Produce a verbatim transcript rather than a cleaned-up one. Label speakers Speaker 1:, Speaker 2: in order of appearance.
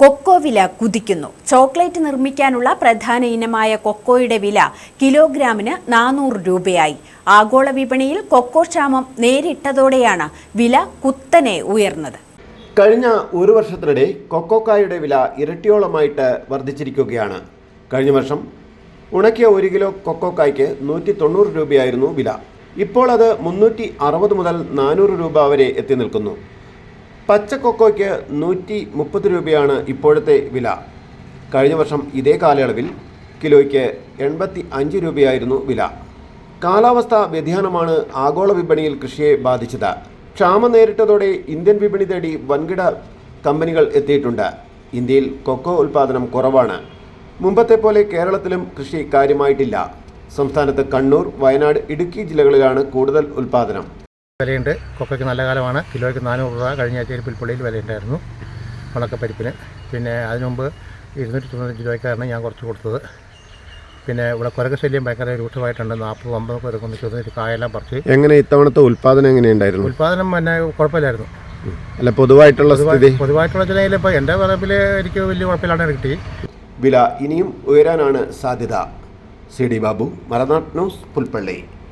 Speaker 1: Cocoa വില കുതിക്കുന്നു. Chocolate നിർമ്മിക്കാനുള്ള പ്രധാന ഇനമായ കൊക്കോയുടെ വില കിലോഗ്രാമിന് നാനൂറ് രൂപയായി. ആഗോള വിപണിയിൽ കൊക്കോ ക്ഷാമം നേരിട്ടതോടെയാണ് വില കുത്തനെ ഉയർന്നത്.
Speaker 2: കഴിഞ്ഞ ഒരു വർഷത്തിനിടെ കൊക്കോക്കായുടെ വില ഇരട്ടിയോളമായിട്ട് വർദ്ധിച്ചിരിക്കുകയാണ്. കഴിഞ്ഞ വർഷം ഉണക്കിയ ഒരു കിലോ കൊക്കോക്കായ്ക്ക് നൂറ്റി തൊണ്ണൂറ് രൂപയായിരുന്നു വില. ഇപ്പോൾ അത് മുന്നൂറ്റി അറുപത് മുതൽ നാനൂറ് രൂപ വരെ എത്തി നിൽക്കുന്നു. പച്ച കൊക്കോയ്ക്ക് നൂറ്റി മുപ്പത് രൂപയാണ് ഇപ്പോഴത്തെ വില. കഴിഞ്ഞ വർഷം ഇതേ കാലയളവിൽ കിലോയ്ക്ക് എൺപത്തി അഞ്ച് രൂപയായിരുന്നു വില. കാലാവസ്ഥാ വ്യതിയാനമാണ് ആഗോള വിപണിയിൽ കൃഷിയെ ബാധിച്ചത്. ക്ഷാമം നേരിട്ടതോടെ ഇന്ത്യൻ വിപണി തേടി വൻകിട കമ്പനികൾ എത്തിയിട്ടുണ്ട്. ഇന്ത്യയിൽ കൊക്കോ ഉൽപ്പാദനം കുറവാണ്. മുമ്പത്തെ പോലെ കേരളത്തിലും കൃഷി കാര്യമായിട്ടില്ല. സംസ്ഥാനത്ത് കണ്ണൂർ, വയനാട്, ഇടുക്കി ജില്ലകളിലാണ് കൂടുതൽ ഉൽപ്പാദനം.
Speaker 3: വിലയുണ്ട്. കൊക്കയ്ക്ക് നല്ല കാലമാണ്. കിലോയ്ക്ക് നാനൂറ് രൂപ കഴിഞ്ഞ ആഴ്ചയിൽ പുൽപ്പള്ളിയിൽ വിലയുണ്ടായിരുന്നു ഉണക്കപ്പരിപ്പിന്. പിന്നെ അതിനു മുമ്പ് ഇരുന്നൂറ്റി തൊണ്ണൂറ്റഞ്ച് രൂപയ്ക്കാണ് ഞാൻ കുറച്ച് കൊടുത്തത്. പിന്നെ ഇവിടെ കുരങ്ങ് ശല്യം ഭയങ്കര രൂക്ഷമായിട്ടുണ്ട്. നാൽപ്പത് അമ്പത് കുരങ്ങൊന്ന് ചെറുതൊരു കായെല്ലാം പറിച്ച്.
Speaker 2: എങ്ങനെ ഇത്തവണത്തെ ഉൽപ്പാദനം എങ്ങനെയുണ്ടായിരുന്നു?
Speaker 3: ഉൽപ്പാദനം പിന്നെ കുഴപ്പമില്ലായിരുന്നു.
Speaker 2: അല്ല, പൊതുവായിട്ടുള്ള സ്ഥിതി
Speaker 3: പൊതുവായിട്ടുള്ള ജില്ലയിൽ ഇപ്പോൾ എൻ്റെ പറമ്പിൽ എനിക്ക് വലിയ കുഴപ്പമില്ലാണ്ട് കിട്ടി.
Speaker 2: വില ഇനിയും ഉയരാനാണ് സാധ്യത. C D Babu, Malanad news, Pulpally.